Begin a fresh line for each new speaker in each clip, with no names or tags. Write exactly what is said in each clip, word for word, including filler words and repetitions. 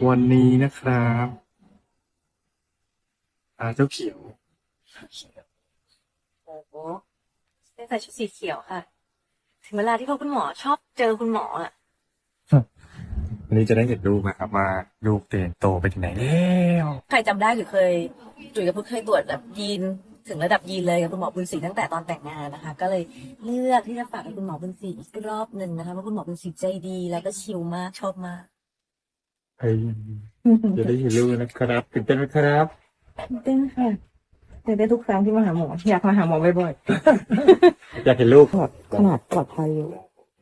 วันนี้นะครับอ่าเจ้าเขียว
โอ้โหได้ใส่ชุดสีเขียวค่ะ ถึงเวลาที่พ่อคุณหมอชอบเจอคุณหมออ่ะ
วันนี้จะได้เห็นลูกนะครับว่าลูกเติบโตไปถึงไหนแล้ว
ใครจำได้หรือเคยจุ๋ยกับพุทธเคยตรวจแบบยีนถึงระดับยีนเลยกับคุณหมอบุญศรีตั้งแต่ตอนแต่งงานนะคะ ก็เลยเลือกที่จะฝากกับคุณหมอบุญศรีอีกรอบหนึ่งนะคะเพราะคุณหมอบุญศรีใจดีแล้วก็ชิลมากชอบมาก
เฮ้ยจะได้เห็นลูกนะครับตื่นเต้นไหมครับ
เต้นค่ะตื่นเต้นทุกครั้งที่มาหาหมออยากมาหาหมอบ่อย
อยากเห็นลูก
ๆขนาดปลอดภัยอยู่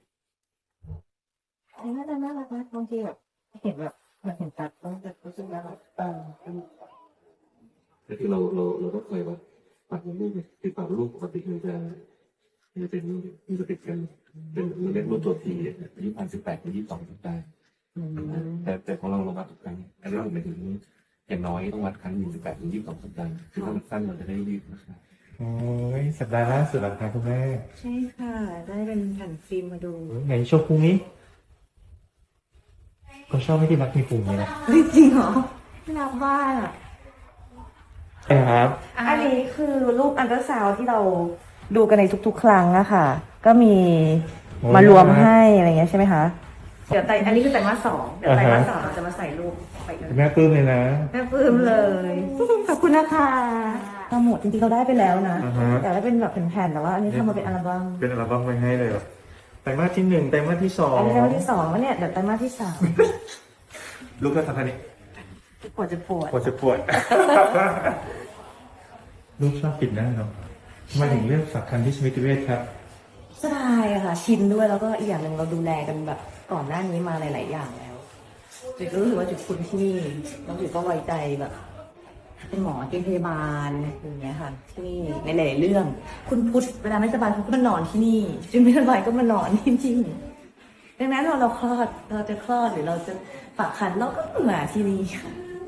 น่าจะน่ารักนะบางทีแบบเห็นแบบมันเห็นตัดต้องจะรู้สึกน่ารักเออ
แต่ที่เราเราเราต้องคอยว่าปากลูกติดปากลูกปกติมันจะมันจะเป็นมันจะติดกันเป็นมันเรียกรู้ตัวทีอายุพันสิบแปดถึงยี่สิบสองสัปดาห์แต่แต่ของเราเราวัดทุกครั้งอันนี้เราหมายถึงอย่างน้อยต้องวัดครั้งหนึ่งสิบแปดถึงยี่สิบสองสัปดาห์คือถ้ามันสั้นเราจะได้รีบนะครับ
โอ้ยสัปดาห์ล่าสุดแล้วครับคุณแม่
ใช่ค่ะ ได้เป็นแผ่นฟิล์มมาดู
ไหนโชว์พุงนี้ก็ชอบให้ที่รักมีพุงเลยนะ
เฮ้ยจริงเหรอน่ารักมากอ่ะ
ใช่ครับ
อันนี้คือรูปอันเตอร์ซาวด์ที่เราดูกันในทุกๆ ครั้งอะค่ะ ก็มีมารวมให้อะไรเงี้ยใช่ไหมคะเดี๋ยวไตอันนี้คือไตรมาสสองเดี๋ยวไตรมาสสองเราจะมาใส่รูปไปเลย
แม่ปลื้มเลยนะ
แม่ปลื้มเลย ขอบคุณนะคะทำหมดจริงๆเราได้ไปแล้วนะ
อ่าฮะ
แต่ได้เป็นแบบแผ่นๆแต่ว่าอันนี้ทำมาเป็นอัลบั้ม
เป็นอัลบั้มไว้ให้เลยเหรอไตรมาสที่หนึ่งไตรมาสที่สอง
อันนี้ไตรมาสที่สองแล้วเนี่ยเดี๋ยวไตรมาสที่สาม
ลูกก็ทำท่านี้
ปวดจะปวด
ปวดจะปวด ลูกชอบปิดหน้าเนาะทำไมถึงเลือกสักคันที่สมิติเวชครับ
สบายอะค่ะ ชินด้วยแล้วก็อีกอย่างหนึ่งเราดูแลกันแบบก่อนหน้านี้มาหลาย ๆ อย่างแล้วจุดก็รู้สึกว่าจุดคุ้นที่นี่แล้วจุดก็ไว้ใจแบบเป็นหมอเป็นพยาบาลอย่างเงี้ยค่ะที่นี่ในหลายๆเรื่อง คุณพุทธเวลาไม่สบายคุณก็มานอนที่นี่จุดไม่สบายก็มานอนที่นี่ดังนั้นเราเราคลอดเราจะคลอดหรือเราจะฝากครรภ์เราก็มาที่นี่ค่ะ